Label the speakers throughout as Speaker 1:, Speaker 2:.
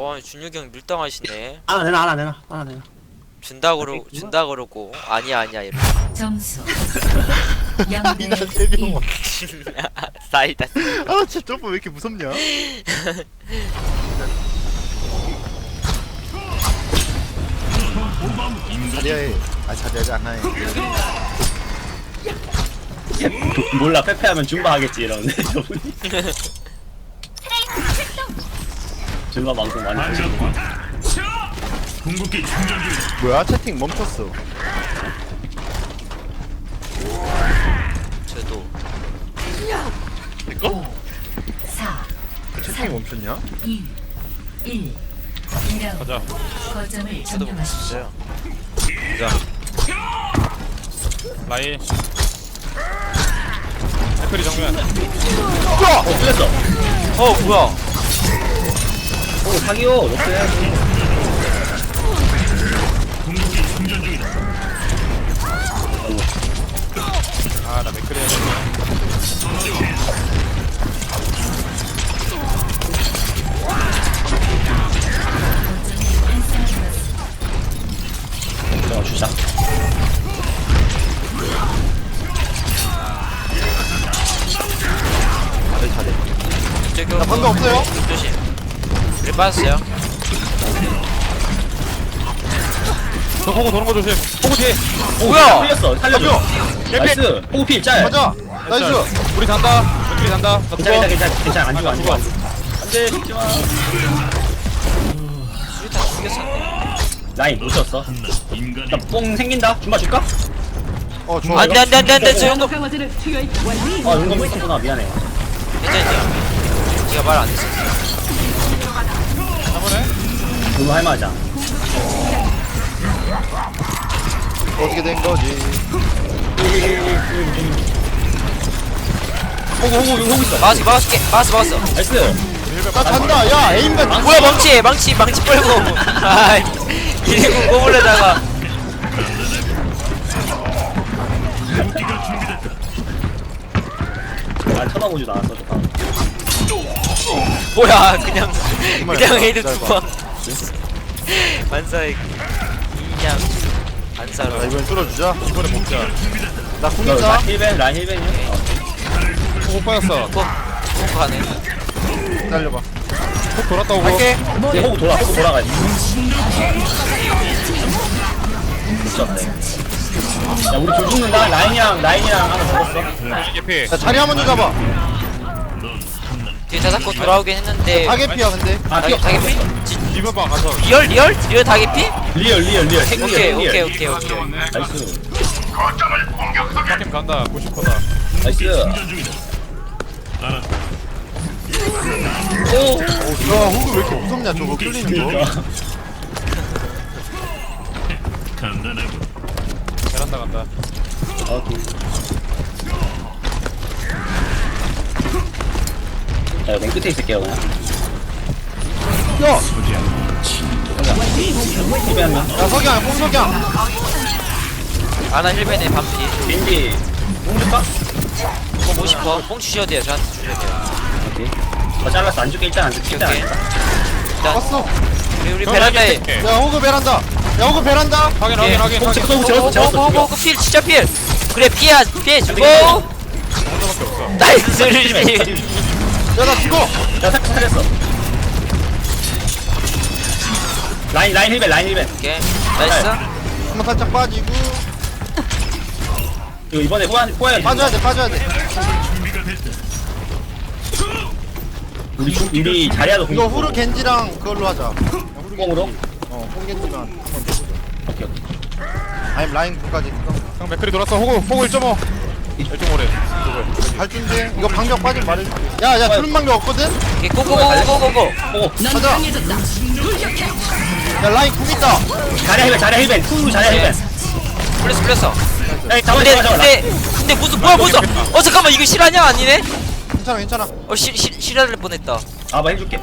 Speaker 1: 준혁이 형 밀당하시네.
Speaker 2: 하나 내놔.
Speaker 1: 준다 그러고 아니야 이러.
Speaker 3: 점수
Speaker 4: 이나
Speaker 3: 0대
Speaker 4: 세명
Speaker 1: 사이다.
Speaker 4: 아 진짜 점프 왜 이렇게 무섭냐? 자리야에 자리야에 안 하네.
Speaker 2: 몰라 페페하면 줌바 하겠지 이러는데 저분이. 줌바 방송 많이 보시고.
Speaker 4: 뭐야 채팅 멈췄어.
Speaker 1: 저도
Speaker 4: 이거?
Speaker 3: 4
Speaker 4: 채팅이 멈췄냐?
Speaker 3: 2 1 2라운드
Speaker 5: 가자.
Speaker 3: 거점을
Speaker 1: 저도
Speaker 3: 점령하십시오.
Speaker 5: 라인. 댓글이 정면.
Speaker 2: 틀렸어.
Speaker 1: 뭐야?
Speaker 2: 오 사기요. 역시.
Speaker 5: 아, 나 맥크리 해야 돼.
Speaker 2: 저 주자.
Speaker 1: 저기
Speaker 4: 나 방금 없어요?
Speaker 1: 조심. 우리 빠졌어요.
Speaker 5: 저 호구 도는 거 조심. 호구 뒤에.
Speaker 1: 뭐야?
Speaker 2: 틀렸어. 살려줘. 나이스. 호필 짤.
Speaker 4: 가자. 나이스.
Speaker 5: 우리 잔다. 맥크리 잔다. 나
Speaker 2: 괜찮아
Speaker 5: 죽어.
Speaker 2: 괜찮아 안 죽어 안 죽어. 안돼 죽지 마.
Speaker 1: 수류탄 죽였었네.
Speaker 2: 라인 놓쳤어. 나뽕 생긴다. 줌바 줄까?
Speaker 4: 좋아.
Speaker 1: 안돼 저 형도
Speaker 2: 아 용감 못했구나 미안해.
Speaker 1: 괜찮아요. 제가 말 안 했어.
Speaker 5: 한번에.
Speaker 2: 너무 할만하자.
Speaker 4: 어떻게 된 거지?
Speaker 2: 호구 있어.
Speaker 1: 막았어.
Speaker 2: 나이스.
Speaker 4: 나 잔다. 야 에임백.
Speaker 1: 뭐야 망치 빨고. 아이 이리고 꼬물려다가.
Speaker 2: 난 쳐다보지도 않았어. 저 사람.
Speaker 1: 뭐야 그냥 헤드
Speaker 4: 짧아.
Speaker 1: 투방. 만사의 그냥
Speaker 4: 자
Speaker 1: 안사로.
Speaker 4: 이번엔 뚫어주자.
Speaker 5: 이번에 먹자.
Speaker 4: 나 궁있자.
Speaker 2: 라인 힐벤이야.
Speaker 5: 호구 빠졌어.
Speaker 1: 꼭 가네.
Speaker 4: 기다려봐.
Speaker 5: 훅 돌았다 오고.
Speaker 4: 갈게.
Speaker 2: 얘 호구 돌아가야 돼. 미쳤네. 야 우리 둘 죽는다. 라인이랑 하나 죽었어.
Speaker 5: 개피.
Speaker 4: 자 자리 한번 좀 잡아.
Speaker 1: 뒤에 자사코 돌아오긴 했는데.
Speaker 4: 타겟피야 근데.
Speaker 2: 아
Speaker 1: 다개 피?
Speaker 5: 리버방 가서.
Speaker 1: 리얼 다개 피?
Speaker 2: 리얼.
Speaker 1: 오케이.
Speaker 2: 나이스.
Speaker 5: 파팀 간다. 90%다.
Speaker 2: 나이스. 오.
Speaker 4: 야 호그 왜 이렇게 무섭냐 저거 끌리는 거.
Speaker 5: 베란다 간다.
Speaker 2: 자, 맨 끝에 있을게요, 그냥.
Speaker 4: 야.
Speaker 2: 힐벤 한 명.
Speaker 4: 야 석양 뽕석양.
Speaker 1: 아나 힐벤에 반피.
Speaker 2: 겐지. 뽕 줄까?
Speaker 1: 뽕 50%. 뽕 주셔야 돼요. 저한테 주셔야 돼요.
Speaker 2: 오케이. 잘랐어. 안 줄게. 일단 안 줄게. 일단 안
Speaker 1: 오케이.
Speaker 2: 줄게.
Speaker 1: 일단
Speaker 4: 왔어.
Speaker 1: 우리 베란다에.
Speaker 4: 야 호그 베란다. 야 호그 베란다.
Speaker 5: 확인.
Speaker 2: 뽕 찍었어.
Speaker 1: 오, 필 진짜 필. 그래 피해 주고.
Speaker 5: 혼자밖에 없어.
Speaker 1: 나이스 루시.
Speaker 4: 야 나 죽어.
Speaker 2: 야, 살렸어. 라인 힐벤.
Speaker 1: 오케이 나이스.
Speaker 4: 한번 살짝 빠지고.
Speaker 2: 이거 이번에 호야
Speaker 4: 빠져야 돼.
Speaker 2: 우리 자리야도
Speaker 4: 이거 후르 겐지랑 그걸로 하자. 후르
Speaker 2: 뽕으로?
Speaker 4: 겐지만 한번
Speaker 2: 오케이.
Speaker 4: 아니면 라인 끝까지.
Speaker 5: 형 맥크리 돌았어. 호구 1.5. 1.5래.
Speaker 4: 발준대. 이거 방벽 빠지면 말해줄게. 야 주는 방벽 없거든.
Speaker 1: 오케이 고고고고고고.
Speaker 4: 가자. 야 라인 궁 있다.
Speaker 2: 자리야 힐벤. 후루 자리야 힐벤.
Speaker 1: 플러스.
Speaker 2: 야,
Speaker 1: 근데 무슨 뭐야 잠깐만 이거 실화냐 아니네?
Speaker 4: 괜찮아.
Speaker 1: 실화를 뻔했다.
Speaker 2: 아, 뭐 해줄게.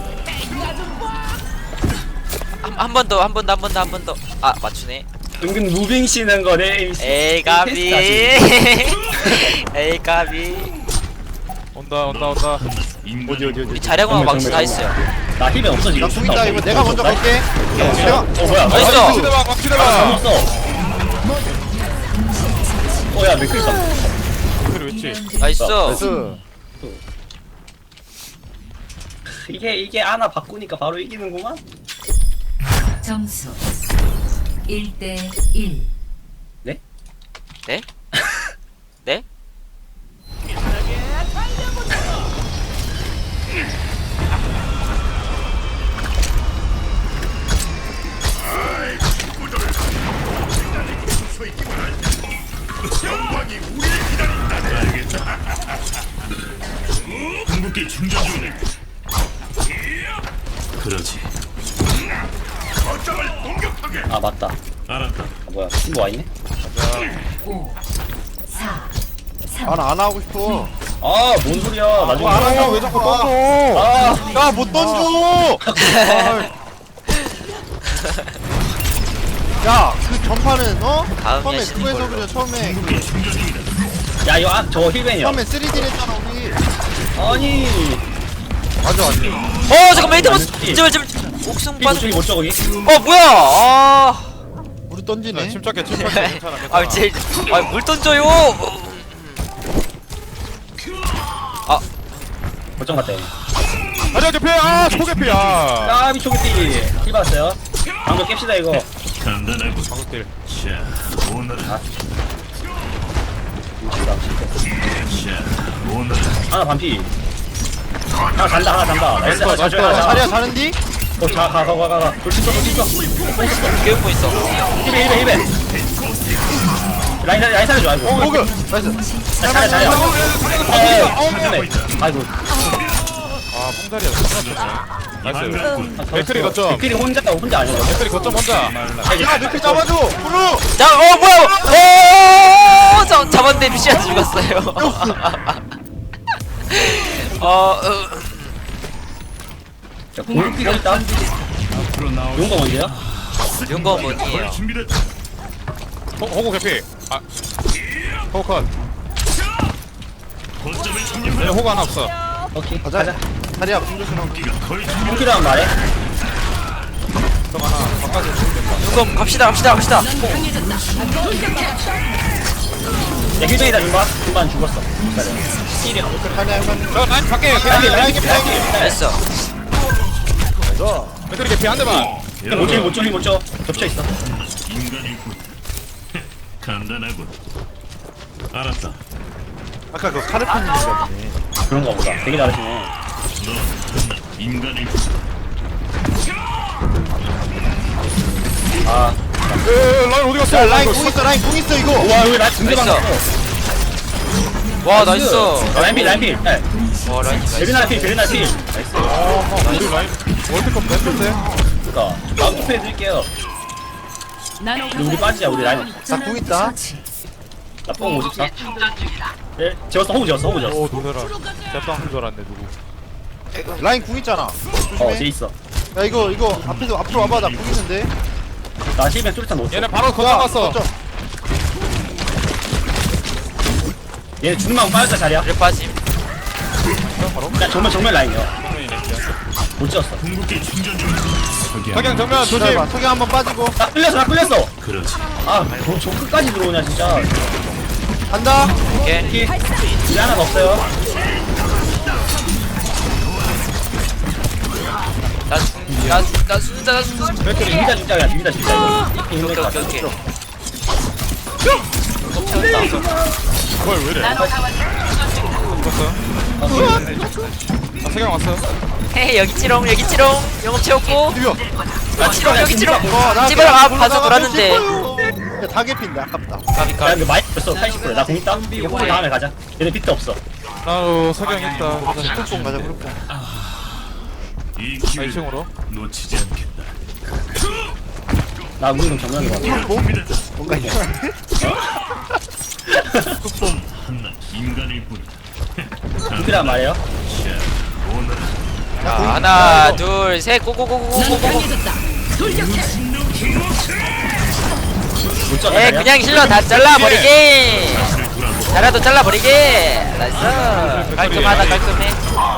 Speaker 1: 한 번 더. 아 맞추네.
Speaker 2: 은근 무빙 씌는 거네.
Speaker 1: 에이 까비.
Speaker 5: 온다.
Speaker 4: 어디
Speaker 1: 우리 자력은 망치 다 있어요.
Speaker 2: 나 힐벤 없어 지금.
Speaker 4: 나 궁이다 이거 내가 먼저 갈게. 내가
Speaker 2: 뭐야?
Speaker 1: 나이스.
Speaker 5: 막치대봐 막치대봐
Speaker 2: 없어. 야 맥클 있어.
Speaker 5: 그래 왜지
Speaker 1: 나이스.
Speaker 4: 나이스.
Speaker 2: 이게 하나 바꾸니까 바로 이기는구만.
Speaker 3: 점수 1대 1.
Speaker 1: 네? 네?
Speaker 6: 궁극기 충전 중이네. 그러지. 거점을 공격하게.
Speaker 2: 아 맞다.
Speaker 6: 알았다.
Speaker 2: 아, 뭐야 친구 와 있네.
Speaker 3: 5 4 3
Speaker 4: 안 하고 싶어.
Speaker 2: 아뭔 소리야? 나중에.
Speaker 4: 안 하고 왜 자꾸 던져? 나 못 던져. 야, 그 전파는
Speaker 1: 다음
Speaker 4: 처음에
Speaker 1: 야신인
Speaker 4: 그거에서
Speaker 1: 걸로.
Speaker 4: 그냥 처음에
Speaker 2: 야 이거 저 힐벤이야.
Speaker 4: 처음에 3D 했잖아 우리.
Speaker 2: 아니.
Speaker 4: 맞아.
Speaker 1: 잠깐 메이트 못. 제발 옥승
Speaker 2: 힐
Speaker 1: 빠져.
Speaker 2: 저기 못 저기.
Speaker 1: 뭐야? 아.
Speaker 4: 우리 던지네.
Speaker 5: 침착해 괜찮아
Speaker 1: 아 제일 물 던져요.
Speaker 2: 거점 갔다.
Speaker 5: 아니야 개피 아 초개피야
Speaker 2: 아 미초기띠. 힐 받았어요. 방금 깹시다 이거.
Speaker 6: 간단하고.
Speaker 5: 방금
Speaker 6: 자, 오늘은. 자, 오늘은.
Speaker 2: 하나 반피. 하나 잔다 하나 잔다. 나이스 하나
Speaker 5: 나이스,
Speaker 2: 자줘야
Speaker 4: 자리야 자는디?
Speaker 2: 가. 돌진거.
Speaker 1: 교육부 있어.
Speaker 2: 힐벤. 라인 살려줘. 아이고.
Speaker 4: 호그. 나이스.
Speaker 2: 잘해. 아이고.
Speaker 5: 아 뽕자리야 나이스 맥크리 거점
Speaker 2: 맥클이 혼자 아니야.
Speaker 5: 맥크리 거점 혼자
Speaker 4: 야, 맥크 잡아줘. 후루.
Speaker 1: 자, 뭐야? 잡았는데 루시안 죽었어요.
Speaker 2: 자, 공격기가 있다.
Speaker 6: 앞으로 나올
Speaker 2: 용거 먼저야?
Speaker 1: 용거 뭐니에요?
Speaker 6: 준비됐다.
Speaker 5: 호구 개피 아 호구 컷
Speaker 6: 거점을 점령.
Speaker 5: 얘네 호구 하나 없어
Speaker 2: 오케이.
Speaker 4: 가자. 자리야 공조신하고.
Speaker 6: 네가 거의 준비.
Speaker 2: 공기라면 말해.
Speaker 5: 좀 하나 바꿔줘
Speaker 1: 용거 갑시다.
Speaker 2: 야, 힐뱅이다, 중반 죽었어.
Speaker 4: 가네 한
Speaker 5: 저 라인 밖에
Speaker 2: 라인
Speaker 5: 개피
Speaker 1: 됐어.
Speaker 5: 맥크리 개피 한 대만
Speaker 2: 못 줘. 겹쳐있어.
Speaker 6: 인간이군. 간단하군. 알았다.
Speaker 4: 아까 그 카르페님인가 보네.
Speaker 2: 그런가 보다. 되게 잘하시네.
Speaker 6: 너 인간이군.
Speaker 2: 아,
Speaker 5: 라인 어디 갔어
Speaker 4: 야, 라인 궁 있어 이거.
Speaker 2: 와, 여기 나 중대방
Speaker 1: 나이스.
Speaker 2: 갔어.
Speaker 1: 와, 나이스.
Speaker 2: 라인필. 네.
Speaker 1: 와, 라인 나이스.
Speaker 2: 베리나라 필. 나이스.
Speaker 5: 우리 라인 월드컵 냈는데
Speaker 2: 그니까. 다음 투표 해드릴게요. 우리 빠지자, 우리 라인.
Speaker 4: 나궁 있다.
Speaker 2: 나뽕 54. 예, 재웠어, 호구 재웠어.
Speaker 5: 오 놀래라 짭당 한줄 알았네 누구
Speaker 4: 라인 궁 있잖아.
Speaker 2: 쟤
Speaker 4: 조심해.
Speaker 2: 있어.
Speaker 4: 야 이거 앞으로 와봐. 나 궁 있는데.
Speaker 2: 나 힐뱅 수류탄 넣었어.
Speaker 5: 얘네 바로 거점 갔어
Speaker 4: 거점.
Speaker 2: 얘 중망 빠졌다, 자리야.
Speaker 1: 일 빠짐.
Speaker 2: 야, 정면 라인이야. 못 지었어.
Speaker 6: 궁극기 충전 중.
Speaker 5: 석양 정면 조심
Speaker 4: 기다려봐. 석양 한번 빠지고.
Speaker 2: 나 끌렸어.
Speaker 6: 그렇지.
Speaker 2: 아, 저 끝까지 들어오냐, 진짜.
Speaker 4: 간다.
Speaker 1: 오케이.
Speaker 2: 일 하나가 없어요.
Speaker 1: 나 죽는다.
Speaker 2: 진짜 진짜야. 이렇게 힘들 것 같아.
Speaker 1: 오케이.
Speaker 5: 뭘 왜이래 죽었어 아 석양 왔어
Speaker 1: 헤이, 여기 찌롱. 영업 채웠고.
Speaker 4: 비벼.
Speaker 1: 여기 찌롱.
Speaker 4: 나
Speaker 1: 찌바랑
Speaker 4: 그냥
Speaker 1: 봐서
Speaker 4: 올라가면
Speaker 1: 놀았는데.
Speaker 4: 질 야, 다 개핀데 아깝다.
Speaker 2: 야, 근데 많이 됐어. 80%. 나공 있다. 이거 호구 다음에 가자. 얘네 비트 없어.
Speaker 5: 나도 석양 있다
Speaker 4: 뽕 가자 그룹 뽕.
Speaker 6: 이 기회를
Speaker 5: 2층으로
Speaker 6: 놓치지 않겠다.
Speaker 2: 나 우리는 정면으로 가.
Speaker 6: 준비됐다.
Speaker 4: 뭔가 이상한데?
Speaker 6: 난 인간일 뿐이다.
Speaker 2: 비트란 말이에요.
Speaker 6: 자, 오늘은
Speaker 1: 자, 하나, 둘, 셋. 고고고고고고고.
Speaker 2: 못 쳐.
Speaker 1: 에, 그냥 힐러 다 잘라버리기.
Speaker 6: 다시를 돌아보고
Speaker 1: 자라도 잘라버리기. 나이스. 깔끔하다 깔끔해.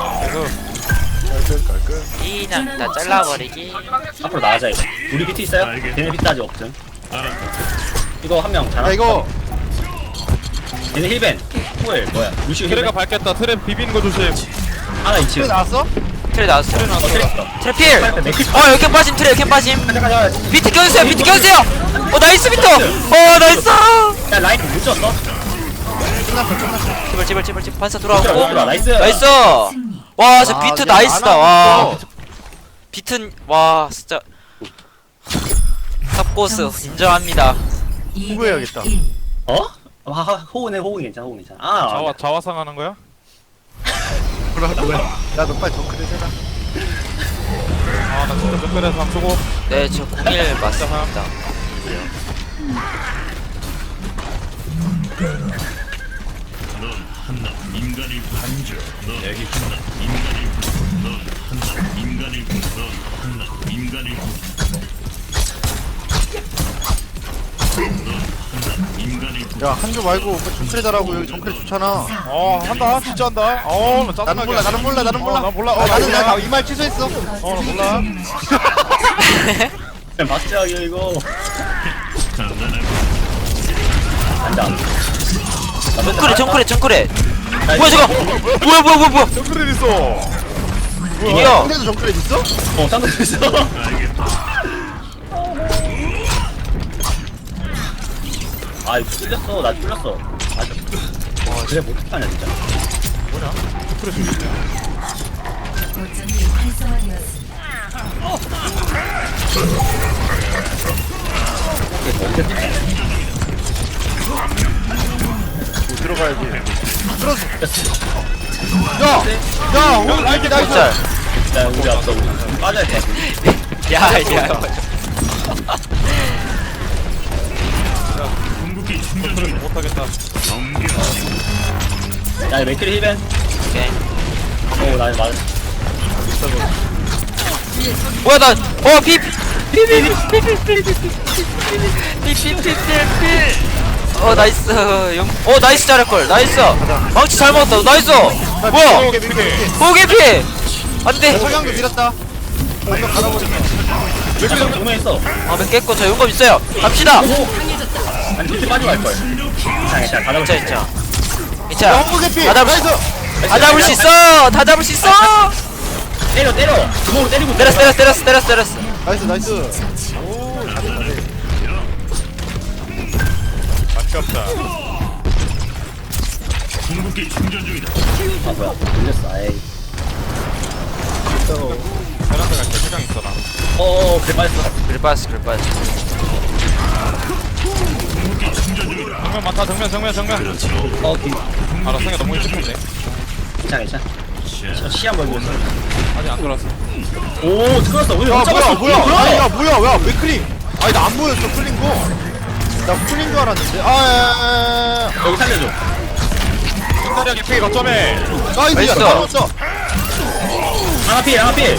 Speaker 4: 깔끔.
Speaker 1: 그냥 다 잘라버리기.
Speaker 2: 앞으로 나가자 이거. 우리 비트 있어요? 걔네 비트 아직 없음. 이거 한 명
Speaker 4: 야
Speaker 2: 잘하.
Speaker 4: 이거
Speaker 2: 걔네 힐벤. 후엘 뭐야? 루시오
Speaker 5: 트레가
Speaker 2: 힐벤.
Speaker 5: 밝겠다. 트레 비비는 거 조심.
Speaker 2: 하나
Speaker 4: 트레
Speaker 2: 2층.
Speaker 4: 나왔어?
Speaker 1: 트레 나왔어.
Speaker 5: 트레 나왔어.
Speaker 2: 트레 있어.
Speaker 1: 트레필.
Speaker 2: 맥클.
Speaker 1: 여기 빠짐 트레 여기 빠짐.
Speaker 2: 잠깐.
Speaker 1: 비트 껴주세요 비트 껴주세요. 나이스 비트. 나이스.
Speaker 2: 야 라인 못 쳤어?
Speaker 1: 제발 반사
Speaker 2: 들어와,
Speaker 1: 돌아오고.
Speaker 2: 나이스.
Speaker 1: 나이스.
Speaker 3: 승리.
Speaker 1: 와 저
Speaker 4: 아,
Speaker 1: 비트
Speaker 4: 얘
Speaker 1: 나이스다.
Speaker 4: 안
Speaker 1: 와.
Speaker 4: 하고
Speaker 1: 비트 와 진짜. 탑고스 인정합니다.
Speaker 4: 후보해야겠다.
Speaker 3: 1.
Speaker 2: 어? 호응이 괜찮아. 호응 괜찮아. 아.
Speaker 5: 자화상 하는 거야?
Speaker 4: 야너 빨리 정크를 해라.
Speaker 5: 나 진짜 특별해서 안 쓰고.
Speaker 1: 네, 저 01 맞습니다.
Speaker 6: 넌 한낱 인간일 뿐. 넌 한낱 인간일 뿐. 넌 한낱 인간일 뿐. 넌 한낱 인간일 뿐. 넌 한낱 인간일 뿐.
Speaker 4: 야 한조 말고 정크를 잘하고 여기 정크를 좋잖아.
Speaker 5: 한다. 진짜 한다. 나 짜증나게.
Speaker 4: 나는 몰라.
Speaker 5: 난 몰라.
Speaker 4: 나는 나 이 말 취소했어.
Speaker 5: 나 몰라.
Speaker 2: 박지하게 이거.
Speaker 6: 간단하고
Speaker 2: 앉아.
Speaker 1: 정크레. 뭐야 저거? 뭐야?
Speaker 5: 정크레 있어.
Speaker 1: 이겨.
Speaker 4: 상대도 정크를 있어?
Speaker 2: 상대 있어.
Speaker 6: 알겠다.
Speaker 2: 아 이거 뚫렸어. 나 뚫렸어. 그래 어떻게 하냐 진짜.
Speaker 3: 거점이 활성화되었습니다.
Speaker 4: 들어가야지. 들었어. 야, 오늘 나이스.
Speaker 1: 짤.
Speaker 2: 야 우리 앞서 우리 빠져야 돼.
Speaker 1: 야.
Speaker 6: 궁극기 충전 중이다.
Speaker 5: 못하겠다.
Speaker 6: 넘겨.
Speaker 2: 야 맥크리 힐벤.
Speaker 1: 오케이.
Speaker 2: 나 맞.
Speaker 1: 뭐야 나. 나이스. 나이스 잘할걸. 나이스. 망치 잘 먹었다. 나이스. 뭐야? 호개피. 안돼.
Speaker 4: 석양도 밀었다. 방금 갈아버렸어.
Speaker 2: 맥크리 정면했어.
Speaker 1: 몇 깼고 저 용감 있어요. 갑시다.
Speaker 2: 아니 비트 빠지고 할 걸. 자 가다 보자.
Speaker 1: 괜찮아.
Speaker 4: 영구 개피.
Speaker 1: 다 잡을 다 잡을 수 있어. 다 잡을 수 있어.
Speaker 2: 때려. 주먹으로 때리고.
Speaker 1: 때렸어.
Speaker 4: 나이스.
Speaker 5: 아깝다.
Speaker 6: 궁극기 충전 중이다.
Speaker 2: 아 뭐야? 들렸어. 에이.
Speaker 5: 베란다가 개시장 있어 나.
Speaker 2: 그래 빠졌어.
Speaker 1: 그래 빠졌어.
Speaker 6: 궁극기 충전 중이다.
Speaker 5: 정면 많다. 정면.
Speaker 2: 기.
Speaker 5: 상에 너무 일찍 했네.
Speaker 2: 괜찮아. 시한 벌고 있어.
Speaker 5: 아직 안 돌았어.
Speaker 2: 오, 끌었어. 오늘
Speaker 4: 야
Speaker 2: 못 잡았어.
Speaker 4: 뭐야 왜 클릭? 아니 나 안 보였어 풀린 거. 나 풀린 줄 알았는데.
Speaker 2: 여기 살려줘.
Speaker 5: 흰다리야 개피 거점에.
Speaker 4: 나이스.
Speaker 1: 나이스.
Speaker 4: 나왔어.
Speaker 2: 하나 필.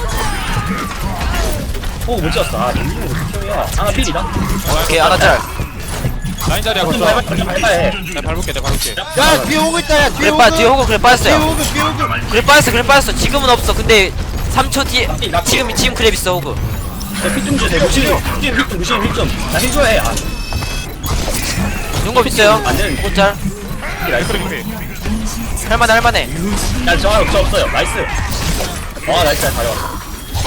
Speaker 2: 못 찍었어. 밀리는 거 특효야. 하나 필이다.
Speaker 1: 오케이 하나 짤.
Speaker 5: 라인 자리야
Speaker 2: 좀
Speaker 5: 거점.
Speaker 2: 밟아해.
Speaker 5: 내가 밟을게.
Speaker 4: 야 뒤에 오고 있다. 야 뒤에
Speaker 1: 그래 뒤에 호구 그래 빠졌어요.
Speaker 4: 뒤에 오고.
Speaker 1: 그래 빠졌어. 지금은 없어. 근데 3초 뒤에 지금 그랩 있어 호구.
Speaker 2: 힐좀 주세요. 루시오 힐 좀. 나 힐 줘야 해.
Speaker 1: 용감 있어요.
Speaker 2: 안 되는 거.
Speaker 1: 짤. 할만해.
Speaker 2: 야, 저 없어요. 나이스. 나이스. 잘 가져왔어.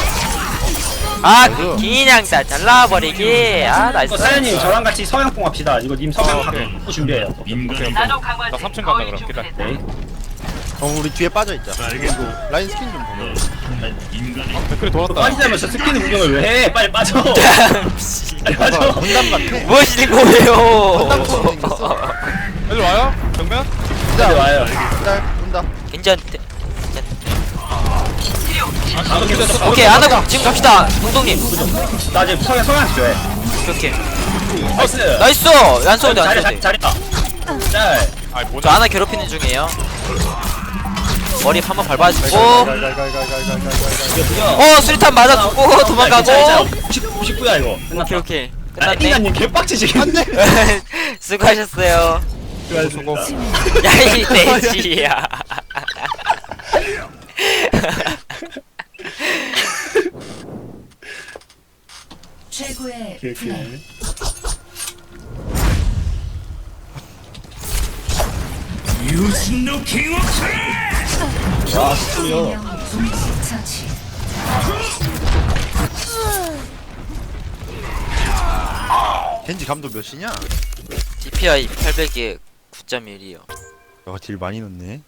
Speaker 1: 그냥 다 잘라버리기. 나이스.
Speaker 2: 사연님 저랑 같이 성향뽕 합시다. 이거 님 성향 갖고 준비해요.
Speaker 6: 인간일
Speaker 5: 나 3층 간다 그럼. 기다려.
Speaker 2: 네.
Speaker 4: 우리 뒤에 빠져 있자.
Speaker 6: 알겠고.
Speaker 4: 라인 스킨 좀 보면.
Speaker 6: 한낱 인간일 뿐.
Speaker 5: 댓글이 돌았다.
Speaker 2: 빠지자면 저 스킨 구경을 왜 해? 빨리 빠져. 빨리 빠져.
Speaker 4: 건담 같아.
Speaker 1: 뭐 하시는 거예요?
Speaker 4: 건담 거 생겼어.
Speaker 5: 여기 와요? 정면?
Speaker 2: 빨리 와요.
Speaker 4: 기다려 온다.
Speaker 1: 괜찮대.
Speaker 2: 아,
Speaker 1: 오케이 안 하고 지금 갑시다. 동동님.
Speaker 2: 나 지금 성향 줘해.
Speaker 1: 오케이.
Speaker 2: 나이스.
Speaker 1: 나이스. 안 쏘는데 안 쏘는데.
Speaker 2: 잘했다. 짤.
Speaker 5: 아이
Speaker 1: 저
Speaker 5: 뭐냐?
Speaker 1: 하나 괴롭히는 중이에요. 머리 한번 밟아주고.
Speaker 2: 이거
Speaker 1: 수리탄 맞아 죽고 도망가고.
Speaker 2: 99야 이거. 끝났다.
Speaker 1: 오케이.
Speaker 2: 아,
Speaker 1: 끝났네.
Speaker 2: 인간님 개빡치지.
Speaker 4: 안돼.
Speaker 1: 수고하셨어요.
Speaker 5: 수고.
Speaker 1: 야이 돼지야.
Speaker 3: 최고의
Speaker 2: 이렇게.
Speaker 3: 플레이.
Speaker 6: 유신노 킹워크
Speaker 2: 와, 스토리요.
Speaker 3: 명 동시 처치.
Speaker 4: 겐지 감도 몇이냐?
Speaker 1: DPI 800에 9.1이요.
Speaker 4: 야, 딜 많이 넣네.